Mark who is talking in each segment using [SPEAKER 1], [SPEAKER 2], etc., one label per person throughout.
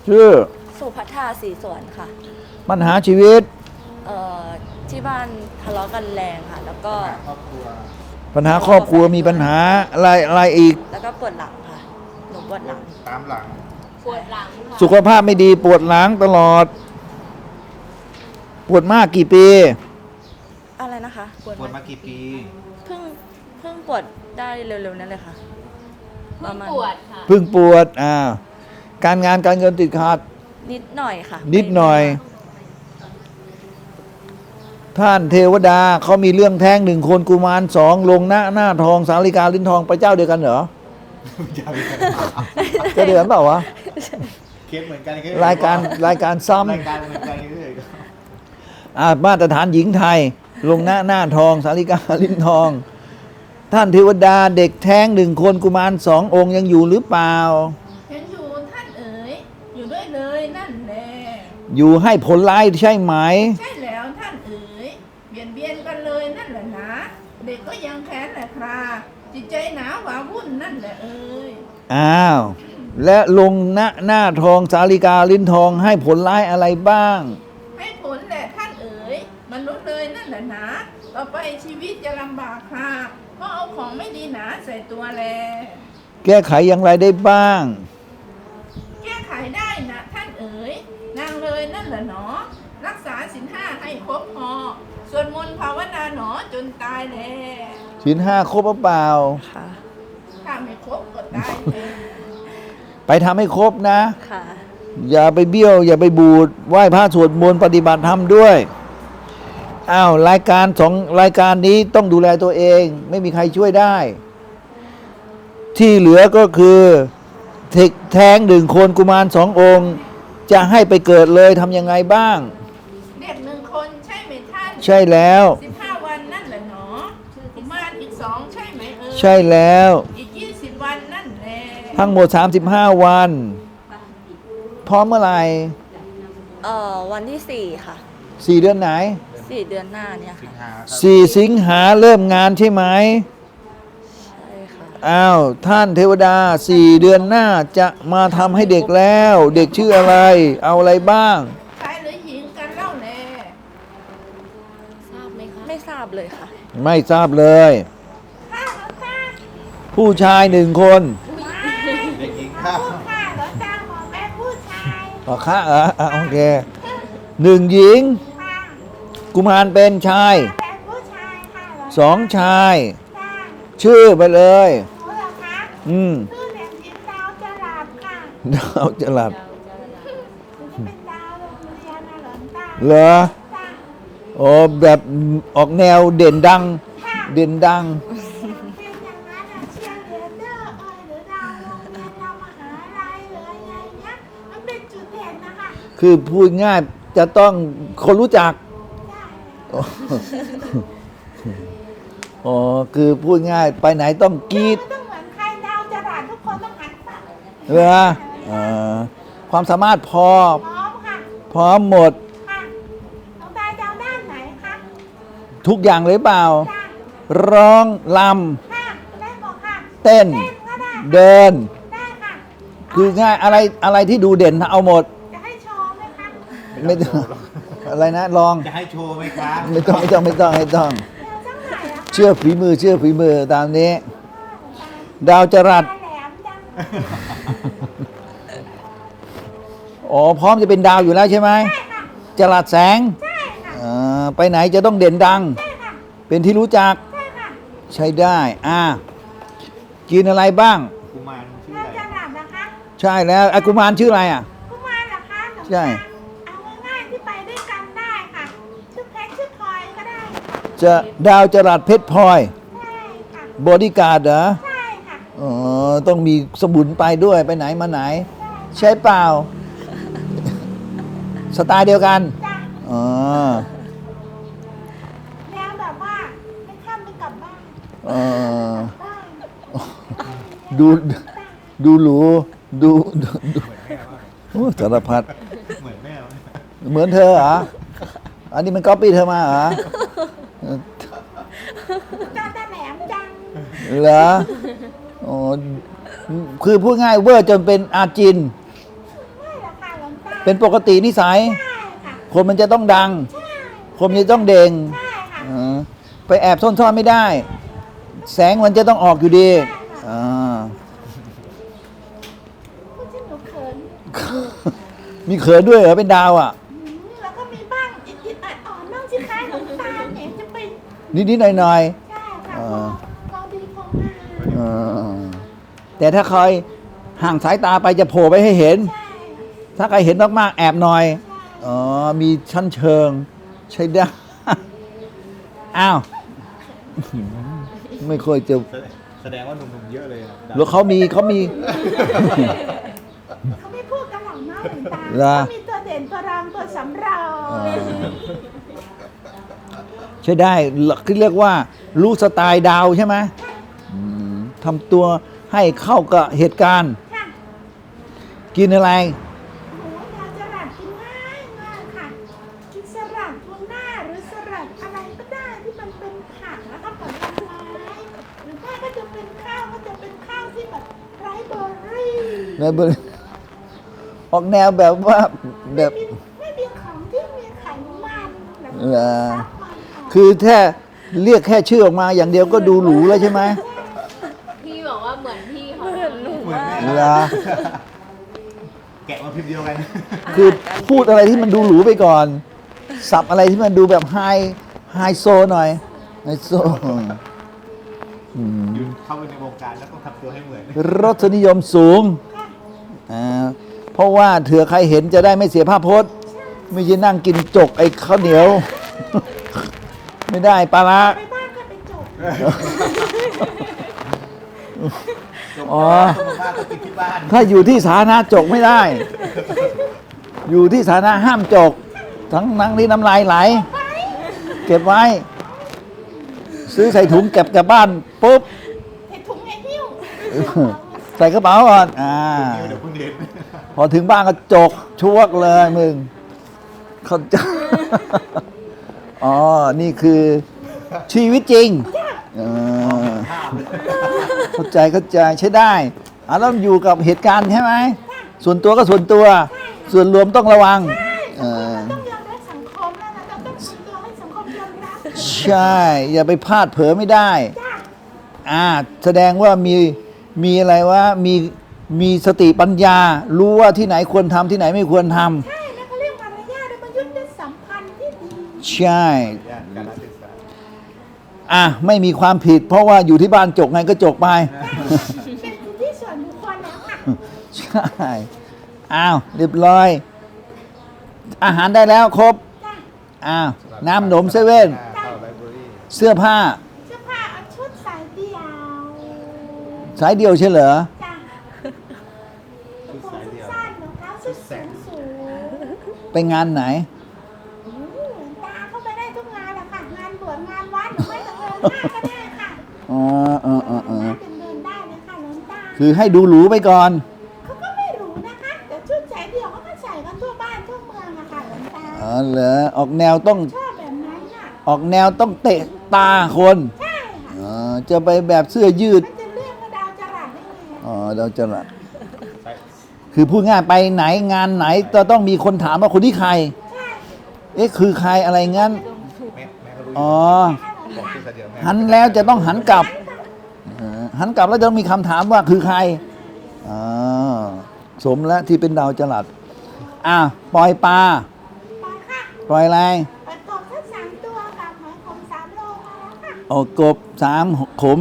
[SPEAKER 1] ชื่อ
[SPEAKER 2] สุภัทราศรีสวนค่ะ
[SPEAKER 1] ปัญหาชีวิต
[SPEAKER 2] ที่บ้านทะเลาะกันแรงค่ะแล้วก็
[SPEAKER 1] ปัญหาครอบครัวมีปัญหาอะไรอีก
[SPEAKER 2] แล้วก็ปวดหลังค่ะหนูปวดหลัง
[SPEAKER 3] ตามหลัง
[SPEAKER 2] ปวดหลังค่ะ
[SPEAKER 1] สุขภาพไม่ดีปวดหลังตลอดปวดมากกี่ปี
[SPEAKER 2] อะไรนะคะ
[SPEAKER 3] ปวดมากี่ปี
[SPEAKER 2] เพิ่งปวดได้เร็วๆนั่นเลยค่ะประมาณ
[SPEAKER 4] ปวดค่ะ
[SPEAKER 1] เพิ่งปวดการงานการเงินติดขัด
[SPEAKER 2] นิดหน่อยค่ะ
[SPEAKER 1] นิดหน่อยท่านเทวดาเขามีเรื่องแท้ง1 คนกุมาร2ลงหน้าทองสาลิกาลิ้นทองไปเจ้าเดียวกันเหรอจะเดือนเปล่าวะ
[SPEAKER 3] เคสเหมือนกัน
[SPEAKER 1] รายการซ้ำ
[SPEAKER 3] รายการเหมือนกันเลย
[SPEAKER 1] มาตรฐานหญิงไทยลงหน้าทองสาลิกาลิ้นทองท่านเทวดาเด็กแท้ง1 คนกุมาร2 องค์ยังอยู่หรือเปล่า
[SPEAKER 4] ยังอยู่ท่านเอ๋ยอยู่ด้วยเลยนั่นแหละ
[SPEAKER 1] อยู่ให้ผลร้ายใช่ไหม
[SPEAKER 4] ใช่แล้วท่านเอ๋ยเบียนกันเลยนั่นแหละนะเด็กก็ยังแค้นแหละคราจิตใจหนาหวาวุ่นนั่นแหละเอ๋ย
[SPEAKER 1] และลงหน้าทองสาลิกาลิ้นทองให้ผลร้ายอะไรบ้าง
[SPEAKER 4] ให้ผลแหละท่านเอ๋ยมนุษย์เลยนั่นแหละนะต่อไปชีวิตจะลำบากค่ะเพราะเอาของไม่ดีหนาใส่ตัวแล
[SPEAKER 1] แก้ไขอย่างไรได้บ้าง
[SPEAKER 4] แก้ไขได้นะท่านเอ๋ยนางเลยนั่นแหละหนอรักษาศีล 5ให้ครบพอสวดมนต์ภาวนาหนอจนตายแล
[SPEAKER 1] ศีล 5ครบหรือเปล่า
[SPEAKER 2] ค่ะ
[SPEAKER 4] ถ้าไม่ครบก็ตาย
[SPEAKER 1] ไปทำให้ครบนะ
[SPEAKER 2] ค่ะ
[SPEAKER 1] อย่าไปเบี้ยวอย่าไปบูดไหว้พระสวดมนต์ปฏิบัติธรรมด้วยรายการ2 รายการนี้ต้องดูแลตัวเองไม่มีใครช่วยได้ที่เหลือก็คือแท้ง1 คนกุมาร2 องค์จะให้ไปเกิดเลยทำยังไงบ้าง
[SPEAKER 4] เด็ก1 คนใช่ไหมท่าน
[SPEAKER 1] ใช่แล้ว
[SPEAKER 4] 15 วันนั่นแหละหนอกุมารอีก2ใช่ไหม
[SPEAKER 1] ใช่แล้ว
[SPEAKER 4] อีก20 วันนั่นแหละ
[SPEAKER 1] ทั้งหมด35 วันพร้อมเมื่อไหร่
[SPEAKER 2] วันที่4ค่ะ
[SPEAKER 1] 4 เดือนไหน
[SPEAKER 2] 4 เดือนหน้าเนี่ยค่ะ
[SPEAKER 1] 4 สิงหาเริ่มงานใช่ไหม
[SPEAKER 2] ใช่ค่ะ
[SPEAKER 1] ท่านเทวดา4 เดือนหน้าจะมาทำให้เด็กแล้วเด็กชื่ออะไรเอาอะไรบ้าง
[SPEAKER 4] ชายหรือหญิงกันเล่าแล
[SPEAKER 2] ทราบไหมคะไม่ทราบเลยค่ะ
[SPEAKER 1] ไม่ทราบเลยผู้ชาย1 คน
[SPEAKER 3] เด็กหญิงค่ะ
[SPEAKER 4] ผู้ชายเหรอจ้าหมอแม่ผู้ชาย
[SPEAKER 1] ค่ะโอเค1 หญิงกุมารเป็นชาย2 ชายชื่อไปเลย
[SPEAKER 4] ชื่อเด็กหญิงดาวจรัสค่ะ
[SPEAKER 1] ดาวจรัส
[SPEAKER 4] เป็นดาวโรงเรียนนะหลวงตา
[SPEAKER 1] เหรอแบบออกแนวเด่นดัง
[SPEAKER 4] เป็นอย่างนั้น
[SPEAKER 1] เ
[SPEAKER 4] ชียร์เลียเดอร์หรือดาวโรงเรียนดาวมหาลัยหรืออะไรเงี้ยมันเป็นจุดเด่นนะคะ
[SPEAKER 1] คือพูดง่ายจะต้องคนรู้จักคือพูดง่ายไปไหนต้องกรี๊ด
[SPEAKER 4] ต้องเหมือนใครดาวจรัสทุกคนต้องหันไป
[SPEAKER 1] เหรอความสามารถพร้อม
[SPEAKER 4] ค่ะ
[SPEAKER 1] พร้อมหมด
[SPEAKER 4] ค่ะน้องตายดาวด้านไหนคะ
[SPEAKER 1] ทุกอย่างเลยเปล่าร้องร
[SPEAKER 4] ำค่ะได้บอกค่ะ
[SPEAKER 1] เต้นเดิน
[SPEAKER 4] ได้ค่ะ
[SPEAKER 1] คือง่ายอะไรที่ดูเด่นเอาหมด
[SPEAKER 4] จะให้โชว์ไหมคะ
[SPEAKER 1] ไม่ต้องอะไรนะลอง
[SPEAKER 3] จะให้โชว์ไหมครับ
[SPEAKER 1] ไม่ต้องเชื่อฝีมือตามนี้ดาวจรัสพร้อมจะเป็นดาวอยู่แล้วใช่ไหมจรัสแสงไปไหนจะต้องเด่นดังเป็นที่รู้จักใช้ได้กินอะไรบ้าง
[SPEAKER 3] กุมารชื่ออะไร
[SPEAKER 1] ใช่แล้วกุมารชื่ออะไร
[SPEAKER 4] กุมารเหรอคะ
[SPEAKER 1] ใช่
[SPEAKER 4] ที่ไปด้วยกันได้ค่ะชื่อเพชรชื่อพลอยก็ได้
[SPEAKER 1] จะดาวจรัสเพชรพลอย
[SPEAKER 4] ใช่ค่ะ
[SPEAKER 1] บอดี้การ์ดเหรอ
[SPEAKER 4] ใช่ค่ะ
[SPEAKER 1] ต้องมีสมุนไปด้วยไปไหนมาไหนใช่เปล่าสไตล์เดียวกัน
[SPEAKER 4] แล้วแบบว่าไม่ข้ามไม่กลับบ้าน
[SPEAKER 1] ดูหรูดูสารพัด
[SPEAKER 3] เหมือนแม่
[SPEAKER 1] เหมือนเธอเหรออันนี้มันก๊อปปี้เธอมาเหรอ
[SPEAKER 4] ตาแหลมจัง
[SPEAKER 1] เหรอคือพูดง่ายเวอร์จนเป็นอาจิน
[SPEAKER 4] ไม่หรอกค่ะหลว
[SPEAKER 1] เป็นปกตินิสัย
[SPEAKER 4] ใช่ค่ะ
[SPEAKER 1] คนมันจะต้องดัง
[SPEAKER 4] ใช่
[SPEAKER 1] คนมันจะต้องเด่ง
[SPEAKER 4] ใช่ค่ะ
[SPEAKER 1] เออไปแอบซ่อนๆไม่ได้ แสงมันจะต้องออกอยู่ดีอ่า
[SPEAKER 4] พูดที่หนูเขิน
[SPEAKER 1] มีเขินด้วยเหรอเป็นดาวอ่ะ
[SPEAKER 4] แล้วก็มีบ้างอิดๆอ่อนๆน้องสิคะหลวงตาเนี่ยจะเป็น
[SPEAKER 1] นิดๆหน่อย
[SPEAKER 4] ใช่ค่ะ
[SPEAKER 1] อ่า
[SPEAKER 4] พอดีพองาม
[SPEAKER 1] ๆเออแต่ถ้าใครห่างสายตาไปจะโผล่ไปให้เห็น
[SPEAKER 4] ใช่
[SPEAKER 1] ถ้าใครเห็นมากๆแอบหน่อย อ๋อ มีชั้นเชิง ใช้ได้ อ้าว ไม่ค่อยจะ
[SPEAKER 3] แสดงว่าหนุ่มๆเยอะเลยอะ
[SPEAKER 1] หรือเขามี
[SPEAKER 4] เขาไม่พูดกันหรอกเนาะหลวงตา
[SPEAKER 1] เหรอ
[SPEAKER 4] เขามีตัวเด่นตัวรองตัวสำรอง
[SPEAKER 1] ใช้ได้คือเรียกว่า รู้สไตล์ดาวใช่ไหมอืมทำตัวให้เข้ากับเหตุการณ์
[SPEAKER 4] ค่ะ
[SPEAKER 1] กินอะไร
[SPEAKER 4] โอ้ยดาวจรัสกินง่ายมากค่ะกินสลัดทูน่าหรือสลัดอะไรก็ได้ที่มันเป็นผักแล้วก็ผลไม้หรือว่าก็จะเป็นข้าวก็จะเป็นข้าวที่แบบไร้เบอร์รี่
[SPEAKER 1] แล้วออกแนวแบบว่าแบบ
[SPEAKER 4] ไม่มีของที่มีไขมันแบบ
[SPEAKER 1] เหรอ
[SPEAKER 4] ซับมันออก
[SPEAKER 1] คือแค่เรียกแค่ชื่อออกมาอย่างเดียวก็ดูหรูแล้วใช่ไหม
[SPEAKER 5] พี่บอกว่าเหมือนพี่เขา
[SPEAKER 2] เหมือนหนู
[SPEAKER 3] เหมือน
[SPEAKER 2] มาก
[SPEAKER 3] แม่
[SPEAKER 1] เหรอ
[SPEAKER 3] แกะมาพิมพ์เดียวกัน
[SPEAKER 1] คือพูดอะไรที่มันดูหรูไปก่อน สับอะไรที่มันดูแบบไฮโซหน่อยไฮโซอืม
[SPEAKER 3] อยู่เข้าไปในวงการแล้วต้องทำตัวให้เหมือน
[SPEAKER 1] รสนิยมสูงเพราะว่าเถื่อใครเห็นจะได้ไม่เสียภาพพจน์ ไม่ใช่นั่งกินจกไอ้ข้าวเหนียว ไม่ได้ปลาร้า
[SPEAKER 4] ไปบ้านก็ไปจบ
[SPEAKER 3] จบ
[SPEAKER 1] อ๋อ
[SPEAKER 3] ต้องมาต้องกินที่บ้าน
[SPEAKER 1] ถ้าอยู่ที่สาธารณะจกไม่ได้ อยู่ที่สาธารณะห้ามจก ทั้งนั่งที่น้ำลายไหล เก็บไว้ ซื้อใส่ถุงเก็บกลับบ้านปุ๊บ
[SPEAKER 4] ใส่ถุงไอ้หิ้ว
[SPEAKER 1] ใส่กระเป๋าก่อน
[SPEAKER 3] เดี๋ยวเพิ่งเรียน
[SPEAKER 1] พอถึงบ้านก็จกชวกเลยมึง เข้าใจ อ๋อ นี่คือชีวิตจริงเออเข้าใจใช้ได้แล้วอยู่กับเหตุการณ์ใช่ไหม ส่วนตัวก็ส่วนตัว ส่วนรวมต้องระวังเออ
[SPEAKER 4] ต้องยอมรับสังคมแล้วนะเราต้องทำตัวให้สังคมยอมรับ
[SPEAKER 1] ใช่ อย่าไปพลาดเผลอไม่ได้
[SPEAKER 4] จ้า
[SPEAKER 1] แสดงว่ามีอะไรวะมีสติปัญญา รู้ว่าที่ไหนควรทำที่ไหนไม่ควรทำ
[SPEAKER 4] ใช่แล้วเขาเรียกมารยาทและมันยุติสัมพันธ์ที่ดี
[SPEAKER 1] ใช่
[SPEAKER 3] ย่านการศึกษา
[SPEAKER 1] ไม่มีความผิด เพราะว่าอยู่ที่บ้านจกไงก็จกไป
[SPEAKER 4] เป็นสิทธิส่วนบุคคลแล้วค่ะ
[SPEAKER 1] ใช่เรียบร้อย อาหารได้แล้วครบ
[SPEAKER 4] จ้า
[SPEAKER 1] น้ำหนมเซเว่น
[SPEAKER 3] เข้าไลบรารี
[SPEAKER 1] เสื้อผ้า
[SPEAKER 4] เสื้อผ้าเอาชุดสายเดี่ยว
[SPEAKER 1] สายเดียวใช่เหรอ
[SPEAKER 4] จ้า
[SPEAKER 3] ชุด
[SPEAKER 4] ผม
[SPEAKER 3] สายเดียว
[SPEAKER 4] สั้นรองเท้าส้นสูงสูง
[SPEAKER 1] ไปงานไหน
[SPEAKER 4] ตาเข้าไปได้ทุกงานแหละค่ะ งานบวชงานวัดหรือไม่ก็งานหน้าก็ได้ค่ะ
[SPEAKER 1] อ๋อ
[SPEAKER 4] เดินได้เลยค่ะหลวงตา
[SPEAKER 1] คือให้ดูหรูไปก่อน
[SPEAKER 4] เขาก็ไม่รู้นะคะแต่ชุดสายเดี่ยวเขาก็ใส่กันทั่วบ้านทั่วเมืองอะค่ะหลวงตา
[SPEAKER 1] อ๋อเหรอ ออกแนวต้อง
[SPEAKER 4] ชอบแบบนั้นน่ะ
[SPEAKER 1] ออกแนวต้องเตะตาคน
[SPEAKER 4] ใช่ค่ะ
[SPEAKER 1] อ๋อจะไปแบบเสื้อยืด
[SPEAKER 4] มันจะเรียกว่าดาวจรัสได้ไง
[SPEAKER 1] อ๋อเราจะละคือพูดง่ายไปไหนงานไหนจะต้องมีคนถามว่าคนที่ใคร
[SPEAKER 4] ใช่
[SPEAKER 1] คือใครอะไรงั้น
[SPEAKER 3] แม่ก็รู้
[SPEAKER 1] อ๋อ
[SPEAKER 3] บอกชื่อสายเดียวแม่
[SPEAKER 1] หันแล้วจะต้องหันกลับหันกลับแล้วจะต้องมีคำถามว่าคือใครอ๋อสมแล้วที่เป็นดาวจรัสปล่อยปลา
[SPEAKER 4] ไปค่ะ
[SPEAKER 1] ปล่อยอะไร
[SPEAKER 4] ไปตกทั้ง3 ตัวกับหอยขม3 โลมาแล้วค่ะ
[SPEAKER 1] โอ้กบ3ขม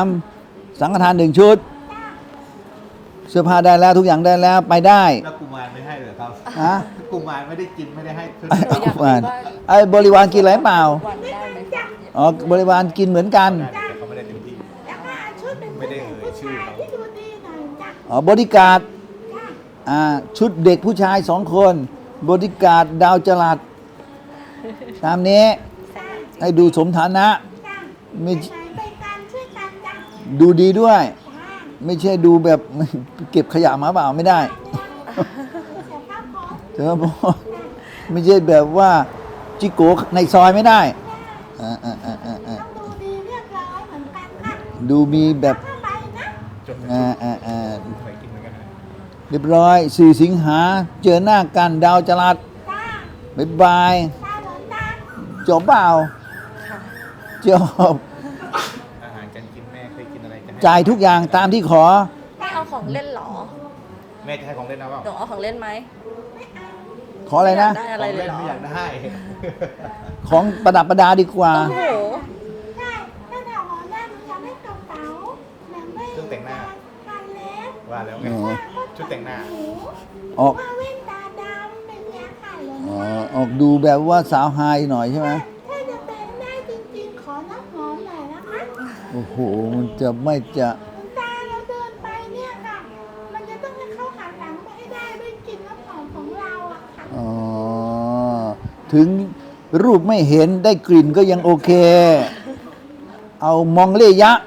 [SPEAKER 1] 3สังฆทาน1 ชุด
[SPEAKER 4] จ้า
[SPEAKER 1] เสื้อผ้าได้แล้วทุกอย่างได้แล้วไปได้
[SPEAKER 3] แล้วกุมารไม่ให้เหรอครับ
[SPEAKER 1] ฮะ
[SPEAKER 3] กุมารไม่ได้กินไม่ได้ให้ชุด
[SPEAKER 1] ไอ้บริวารกินอะไรเปล่า
[SPEAKER 2] วันได้ไหม
[SPEAKER 4] จ้า
[SPEAKER 1] อ๋อบริวารกินเหมือนกัน
[SPEAKER 3] ได้แต่เขาไม่ได้เต็มที่
[SPEAKER 4] แล้วก็เอาชุดเป็น
[SPEAKER 3] ไม่ได้เอ่ย
[SPEAKER 4] ผู้
[SPEAKER 3] ชื่อ
[SPEAKER 4] ชาย
[SPEAKER 3] เขา
[SPEAKER 4] ที่ดูดีหน่อยจ้า
[SPEAKER 1] บริการด
[SPEAKER 4] จ้า
[SPEAKER 1] ชุดเด็กผู้ชาย2 คน บริการดดาวจรัสตามนี้
[SPEAKER 4] จ้า
[SPEAKER 1] ให้ดูสมฐานะ
[SPEAKER 4] จ้า
[SPEAKER 1] ไม่
[SPEAKER 4] ไปไหนไปกันช่วยกันจ้า
[SPEAKER 1] ดูดีด้วย
[SPEAKER 4] จ้า
[SPEAKER 1] ไม่ใช่ดูแบบ เก็บขยะมาเปล่าไม่ได้
[SPEAKER 4] เสียภาพพจน์
[SPEAKER 1] เจอพอไม่ใช่แบบว่าจิโกในซอยไม่ได้อ่า
[SPEAKER 4] ต้องดูดีเรียบร้อยเหมือนกันค่ะ
[SPEAKER 1] ดูมีแบบ
[SPEAKER 4] ผ้าใบนะ
[SPEAKER 3] จน
[SPEAKER 1] อ่า
[SPEAKER 3] เคยกินเหมือนกันนะ
[SPEAKER 1] เรียบร้อย4 สิงหาเจอหน้ากันดาวจรัส
[SPEAKER 4] จ้า
[SPEAKER 1] บ๊ายบาย
[SPEAKER 4] จ้าหลวงตา
[SPEAKER 1] จบเปล่า
[SPEAKER 2] ค่ะ
[SPEAKER 1] จบ
[SPEAKER 3] อาหารการกินแม่เคยกินอะไรจะให้
[SPEAKER 1] จ่ายทุกอย่างตามที่ขอ
[SPEAKER 2] ไม่เอาของเล่นเหรอ
[SPEAKER 3] แม่จะให้ของเล่นนะเปล่า
[SPEAKER 2] หนูเอาของเล่นไหม
[SPEAKER 1] ขออะไรนะ
[SPEAKER 2] ม่ยากได้อะไรเลยเหรอ
[SPEAKER 3] ไม่อยากได้
[SPEAKER 1] ของประดับประดาดีกว่า
[SPEAKER 2] โอ้โห
[SPEAKER 4] ใช่ถ้าเราหอได้หนูจะได้กระเป๋าหนังไม่
[SPEAKER 3] เครื่องแต่งหน้า
[SPEAKER 4] กันเล็บ
[SPEAKER 3] ว่าแล้วไง
[SPEAKER 1] อ๋อ
[SPEAKER 3] ชุดแต่งหน้า
[SPEAKER 4] หู
[SPEAKER 1] ออก
[SPEAKER 4] ว่าเว้นตาดำเป็นยาค่ะหลวง
[SPEAKER 1] อ๋อ
[SPEAKER 4] ตา
[SPEAKER 1] ออกดูแบบว่าสาวไฮหน่อยใช่ไหม
[SPEAKER 4] ถ้าจะเป็นได้จริงๆ ขอน้ำหอมหน่อยนะคะ
[SPEAKER 1] โอ้โห มันจะไม่จะ
[SPEAKER 4] หลวงตาเราเดินไปเนี่ยค่ะ มันจะต้องให้เขาหันหลังไปให้ได้ด้วยกลิ่นน้ำหอมของเราอะค่ะ
[SPEAKER 1] อ๋อ ถึงรูปไม่เห็นได้กลิ่นก็ยังโอเค เอามองเลยะ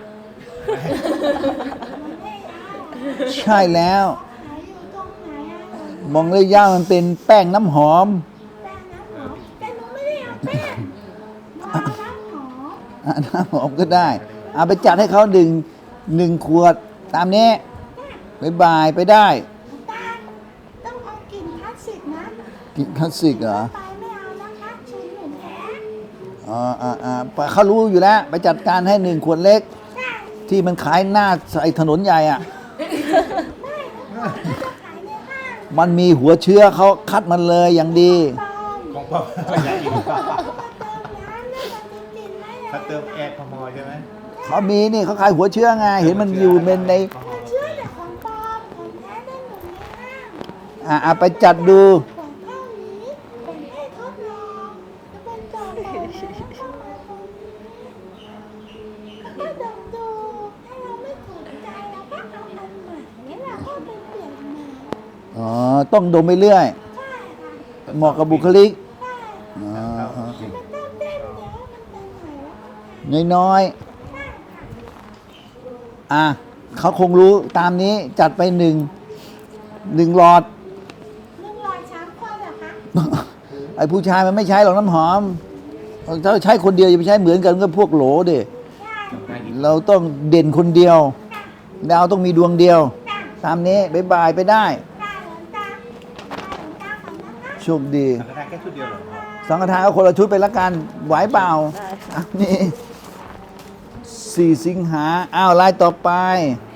[SPEAKER 4] มันไม่เอา
[SPEAKER 1] ใช่แล้ว
[SPEAKER 4] ขายอยู่ตรงไหนอะหลวง
[SPEAKER 1] มองเลยะมันเป็นแป้งน้ำหอม
[SPEAKER 4] แป้งน้ำหอมแต่หนูไม่ได้เอาแป้งมาน้ำหอม
[SPEAKER 1] อ่ะน้ำหอมก็ได้ เอาไปจัดให้เขาหนึ่งขวด ตามนี้บายบายไปได้
[SPEAKER 4] ตาต้องเอากลิ่นพลาสติกนะ
[SPEAKER 1] กินคลาสสิกเหรอ
[SPEAKER 4] ไปไม่เอานะคะชุนหนูแท้
[SPEAKER 1] เขารู้อยู่แล้ว ไปจัดการให้1 ขวดเล็ก
[SPEAKER 4] ใช่
[SPEAKER 1] ที่มันขายหน้าไอ้ถนนใหญ่อะ
[SPEAKER 4] ไม่เขาจะขายในห้าง
[SPEAKER 1] มันมีหัวเชื้อเขาคัดมันเลยอย่างดี
[SPEAKER 4] ปลอม
[SPEAKER 3] ของพ่อไม่อยากอีก
[SPEAKER 4] มาเติมน้ำแล้วมันจะกินไหม
[SPEAKER 3] ถ้าเติมแอลกอฮอล์ใช่ไหม
[SPEAKER 1] เขามีนี่เขาขายหัวเชื้อไง เห็นมันอยู่เป็นใน
[SPEAKER 4] เชื่อแต่ของปลอมของแท้ได้หมดในห้าง
[SPEAKER 1] ไปจัดดู
[SPEAKER 4] ขวดเท่านี้เป็นให้ทดลองจะเป็นต่อไปแล้วเข้ามาตรงนี้แล้วก็ดมดูถ้าเราไม่ถูกใจเราก็เอาอันใหม่แล้วเราก็ไปเปลี่ยนใหม่
[SPEAKER 1] อ๋อ ต้องดมไปเรื่อย
[SPEAKER 4] ใช่ค่ะ
[SPEAKER 1] เหมาะกับบุคลิก
[SPEAKER 4] ใช่
[SPEAKER 1] อ๋อ
[SPEAKER 4] มันต้องเต้นเดี๋ยวมันเป็นไหนแล้ว
[SPEAKER 1] น้อย
[SPEAKER 4] ใช่ค่ะ
[SPEAKER 1] เขาคงรู้ตามนี้จัดไปหนึ่งหลอด
[SPEAKER 4] 100 คนเหรอคะ
[SPEAKER 1] ไอ้ผู้ชายมันไม่ใช้หรอกน้ำหอม ถ้าใช้คนเดียวอย่าไปใช้เหมือนกันก็พวกโหลดิ
[SPEAKER 4] ใช่
[SPEAKER 1] เราต้องเด่นคนเดียว ดาวต้องมีดวงเดียว ตามนี้บายบายไปได้
[SPEAKER 4] ตาหลวงตาหลวงตาของนะคะ
[SPEAKER 1] โชคดี
[SPEAKER 3] สังฆทานแค่ชุดเดียวเหรอพ่อ
[SPEAKER 1] สังฆทานเอาคนละชุดไปละกัน ไหวเปล่า
[SPEAKER 2] ได้ค่ะ
[SPEAKER 1] อ่ะนี่4 สิงหาอ้าวลายต่อไป
[SPEAKER 4] 4